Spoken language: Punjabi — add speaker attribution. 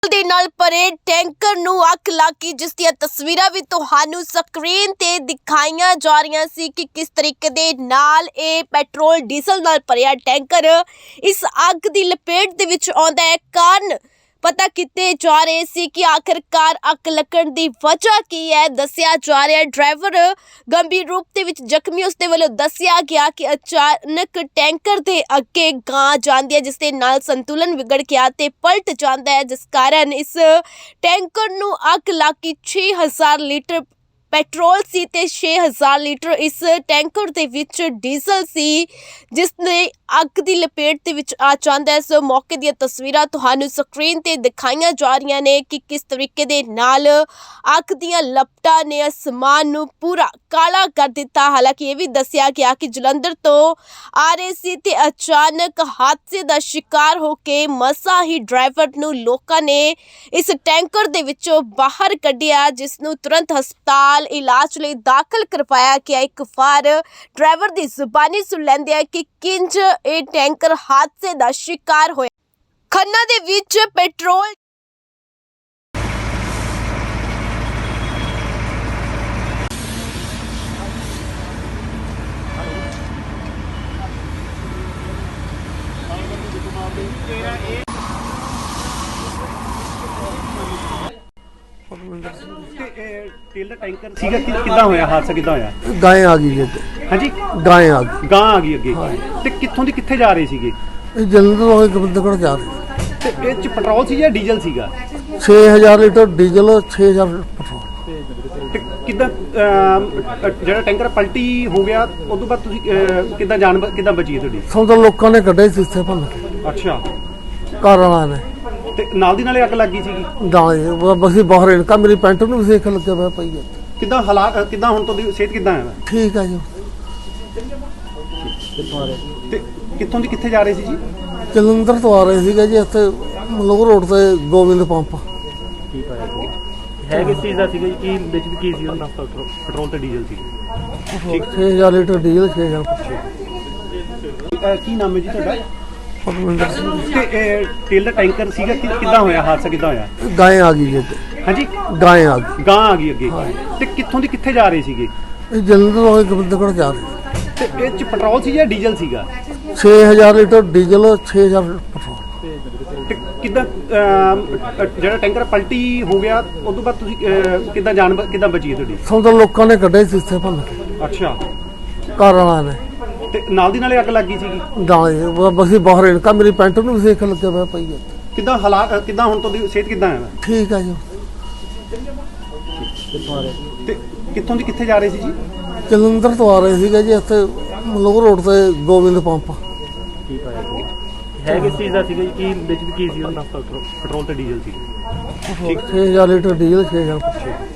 Speaker 1: ਦੇ ਨਾਲ ਭਰੇ ਟੈਂਕਰ ਨੂੰ ਅੱਗ ਲੱਗੀ, ਜਿਸ ਦੀਆਂ ਤਸਵੀਰਾਂ ਵੀ ਤੁਹਾਨੂੰ ਸਕਰੀਨ ਤੇ ਦਿਖਾਈਆਂ ਜਾ ਰਹੀਆਂ ਸੀ ਕਿ ਕਿਸ ਤਰੀਕੇ ਦੇ ਨਾਲ ਇਹ ਪੈਟਰੋਲ ਡੀਜ਼ਲ ਨਾਲ ਭਰਿਆ ਟੈਂਕਰ ਇਸ ਅੱਗ ਦੀ ਲਪੇਟ ਦੇ ਵਿੱਚ ਆਉਂਦਾ ਹੈ। ਕਾਰਨ ਪਤਾ ਕੀਤੇ ਜਾ ਰਹੇ ਸੀ ਕਿ ਆਖਿਰਕਾਰ ਅੱਗ ਲੱਗਣ ਦੀ ਵਜ੍ਹਾ ਕੀ ਹੈ। ਦੱਸਿਆ ਜਾ ਰਿਹਾ ਡਰਾਈਵਰ ਗੰਭੀਰ ਰੂਪ ਦੇ ਵਿੱਚ ਜ਼ਖਮੀ, ਉਸ ਦੇ ਵੱਲੋਂ ਦੱਸਿਆ ਗਿਆ ਕਿ ਅਚਾਨਕ ਟੈਂਕਰ ਦੇ ਅੱਗੇ ਗਾਂ ਜਾਂਦੀ ਹੈ, ਜਿਸ ਦੇ ਨਾਲ ਸੰਤੁਲਨ ਵਿਗੜ ਗਿਆ ਤੇ ਪਲਟ ਜਾਂਦਾ ਹੈ, ਜਿਸ ਕਾਰਨ ਇਸ ਟੈਂਕਰ ਨੂੰ ਅੱਗ ਲੱਗੀ। 6000 ਲੀਟਰ ਪੈਟਰੋਲ ਸੀ ਤੇ 6000 ਲੀਟਰ ਇਸ ਟੈਂਕਰ ਦੇ ਵਿੱਚ ਡੀਜ਼ਲ ਸੀ, ਜਿਸ ਨੇ ਅੱਗ ਦੀ ਲਪੇਟ ਦੇ ਵਿੱਚ ਆ ਜਾਂਦਾ ਹੈ। ਸੋ ਮੌਕੇ ਦੀਆਂ ਤਸਵੀਰਾਂ ਤੁਹਾਨੂੰ ਸਕਰੀਨ ਤੇ ਦਿਖਾਈਆਂ ਜਾ ਰਹੀਆਂ ਨੇ ਕਿ ਕਿਸ ਤਰੀਕੇ ਦੇ ਨਾਲ ਅੱਗ ਦੀਆਂ ਲਪਟਾਂ ਨੇ ਅਸਮਾਨ ਨੂੰ ਪੂਰਾ ਕਾਲਾ ਕਰ ਦਿੱਤਾ। ਹਾਲਾਂਕਿ ਇਹ ਵੀ ਦੱਸਿਆ ਗਿਆ ਕਿ ਜਲੰਧਰ ਤੋਂ ਆ ਰਹੇ ਸੀ ਤੇ ਅਚਾਨਕ ਹਾਦਸੇ ਦਾ ਸ਼ਿਕਾਰ ਹੋ ਕੇ ਮਸਾਂ ਹੀ ਡਰਾਈਵਰ ਨੂੰ ਲੋਕਾਂ ਨੇ ਇਸ ਟੈਂਕਰ ਦੇ ਵਿੱਚੋਂ ਬਾਹਰ ਕੱਢਿਆ, ਜਿਸ ਨੂੰ ਤੁਰੰਤ ਹਸਪਤਾਲ ਇਲਾਜ ਲਈ ਦਾਖਲ ਕਰਵਾਇਆ ਗਿਆ। ਇੱਕ ਵਾਰ ਡਰਾਈਵਰ ਦੀ ਜ਼ੁਬਾਨੀ ਸੁਣ ਲੈਂਦੇ ਆ ਕਿ ਕਿੰਜ ਇਹ ਟੈਂਕਰ ਹਾਦਸੇ ਦਾ ਸ਼ਿਕਾਰ ਹੋਇਆ। ਖੰਨਾ ਦੇ ਵਿੱਚ ਪੈਟਰੋਲ
Speaker 2: तेल का टैंकर सीगा किद्दां होया हादसा किद्दां होया?
Speaker 3: गाय आ गई जी।
Speaker 2: हाँ जी
Speaker 3: गाय आ गई।
Speaker 2: गां आ गई अगे ते कित्थों दी कित्थे जा रहे सीगे?
Speaker 3: ਇਹ ਜਲੰਧਰ ਤੋਂ ਗੋਬਿੰਦਗੜ੍ਹ ਜਾ ਰਹੇ।
Speaker 2: ते ਇਹ ਚ ਪੈਟਰੋਲ ਸੀ ਜਾਂ ਡੀਜ਼ਲ ਸੀਗਾ?
Speaker 3: 6000 ਲੀਟਰ ਡੀਜ਼ਲ 6000 ਪੈਟਰੋਲ।
Speaker 2: ਤੇ ਕਿੱਦਾਂ ਜਿਹੜਾ ਟੈਂਕਰ ਪਲਟੀ ਹੋ ਗਿਆ ਉਸ ਤੋਂ ਬਾਅਦ ਤੁਸੀਂ ਕਿੱਦਾਂ ਜਾਨ ਕਿੱਦਾਂ ਬਚੀ ਹੈ ਤੁਹਾਡੀ?
Speaker 3: ਸਭ ਤੋਂ ਲੋਕਾਂ ਨੇ ਕੱਢੇ ਸੀ ਇੱਥੇ ਭੰਨ ਕੇ,
Speaker 2: ਅੱਛਾ,
Speaker 3: ਘਰ ਵਾਲਿਆਂ ਨੇ।
Speaker 2: ਤੇ ਨਾਲ ਦੀ ਨਾਲੇ ਅੱਗ ਲੱਗ ਗਈ ਸੀਗੀ?
Speaker 3: ਬਸੀ ਬਾਹਰ ਇਨਕਾ ਮੇਰੀ ਪੈਂਟ ਨੂੰ ਵੀ ਸੇਕ ਲੱਗਿਆ ਹੋਇਆ ਪਈ ਹੈ।
Speaker 2: ਕਿੱਦਾਂ ਹਾਲਾਤ ਕਿੱਦਾਂ ਹੁਣ ਤੁਹਾਡੀ ਸਿਹਤ ਕਿੱਦਾਂ ਹੈ?
Speaker 3: ਠੀਕ ਹੈ ਜੀ।
Speaker 2: ਤੇ ਕਿੱਥੋਂ ਦੀ ਕਿੱਥੇ ਜਾ ਰਹੇ ਸੀ ਜੀ?
Speaker 3: ਜਲੰਧਰ ਤੋਂ ਆ ਰਹੇ ਸੀਗੇ ਜੀ, ਇੱਥੇ ਮਲੋਹ ਰੋਡ ਤੇ ਗੋਬਿੰਦ ਪੰਪ।
Speaker 2: ਕੀ ਪਾਇਆ ਹੈ ਕਿਸ ਚੀਜ਼ ਦਾ ਸੀਗਾ ਜੀ? ਕੀ ਵਿੱਚ ਕੀ ਸੀ ਉਹਨਾਂ ਪੈਟਰੋਲ ਤੇ ਡੀਜ਼ਲ ਸੀ?
Speaker 3: 6000 ਲੀਟਰ ਡੀਜ਼ਲ 6000
Speaker 2: ਕੀ ਨਾਮ ਹੈ ਜੀ ਤੁਹਾਡਾ?
Speaker 3: ਪਰਮਿੰਦਰ ਸਿੰਘ।
Speaker 2: ਤੇ ਤੇਲ ਦਾ ਟੈਂਕਰ ਸੀਗਾ ਕਿੱਦਾਂ ਹੋਇਆ ਹਾਦਸਾ ਕਿੱਦਾਂ ਹੋਇਆ?
Speaker 3: ਗਾय ਆ ਗਈ ਜੀ।
Speaker 2: हाँ जी
Speaker 3: ਗਾय ਆ ਗਈ।
Speaker 2: गां आ गई अगे ते कित्थों दी कित्थे जा रहे सीगे?
Speaker 3: ਇਹ ਜਲੰਧਰ ਤੋਂ ਗੋਬਿੰਦਗੜ੍ਹ ਜਾ ਰਹੇ।
Speaker 2: ते ਇਹ ਚ ਪੈਟਰੋਲ ਸੀ ਜਾਂ ਡੀਜ਼ਲ ਸੀਗਾ?
Speaker 3: 6000 ਲੀਟਰ ਡੀਜ਼ਲ 6000 ਪੈਟਰੋਲ।
Speaker 2: ਤੇ ਕਿੱਦਾਂ ਜਿਹੜਾ ਟੈਂਕਰ ਪਲਟੀ ਹੋ ਗਿਆ ਉਸ ਤੋਂ ਬਾਅਦ ਤੁਸੀਂ ਕਿੱਦਾਂ ਜਾਨ ਕਿੱਦਾਂ ਬਚੀ ਹੈ ਤੁਹਾਡੀ?
Speaker 3: ਸਭ ਤੋਂ ਲੋਕਾਂ ਨੇ ਕੱਢੇ ਸੀ ਇੱਥੇ ਭੰਨ ਕੇ,
Speaker 2: ਅੱਛਾ,
Speaker 3: ਘਰ ਵਾਲਿਆਂ ਨੇ।
Speaker 2: ਤੇ ਨਾਲ ਦੀ ਨਾਲੇ ਅੱਗ ਲੱਗੀ ਸੀਗੀ?
Speaker 3: ਬਸੀ ਬਾਹਰ ਇਨਕਾ ਮੇਰੀ ਪੈਂਟ ਨੂੰ ਵੀ ਸੇਕ ਲੱਗਿਆ ਹੋਇਆ ਪਈ ਹੈ।
Speaker 2: ਕਿੱਦਾਂ ਹਾਲਾਤ ਕਿੱਦਾਂ ਹੁਣ ਤੁਹਾਡੀ ਸਿਹਤ ਕਿੱਦਾਂ ਹੈ?
Speaker 3: ਠੀਕ ਹੈ ਜੀ।
Speaker 2: ਤੇ ਕਿੱਥੋਂ ਦੀ ਕਿੱਥੇ ਜਾ ਰਹੇ ਸੀ ਜੀ?
Speaker 3: ਜਲੰਧਰ ਤੋਂ ਆ ਰਹੇ ਸੀਗੇ ਜੀ, ਇੱਥੇ ਮਲੋਹ ਰੋਡ ਤੇ ਗੋਬਿੰਦ ਪੰਪ।
Speaker 2: ਕੀ ਪਾਇਆ ਹੈ ਕਿਸ ਚੀਜ਼ ਦਾ ਸੀਗਾ ਜੀ? ਕੀ ਵਿੱਚ ਕੀ ਸੀ ਉਹਨਾਂ ਪੈਟਰੋਲ ਤੇ ਡੀਜ਼ਲ ਸੀ?
Speaker 3: 6000 ਲੀਟਰ ਡੀਜ਼ਲ 6000 ਪੈਟਰੋਲ।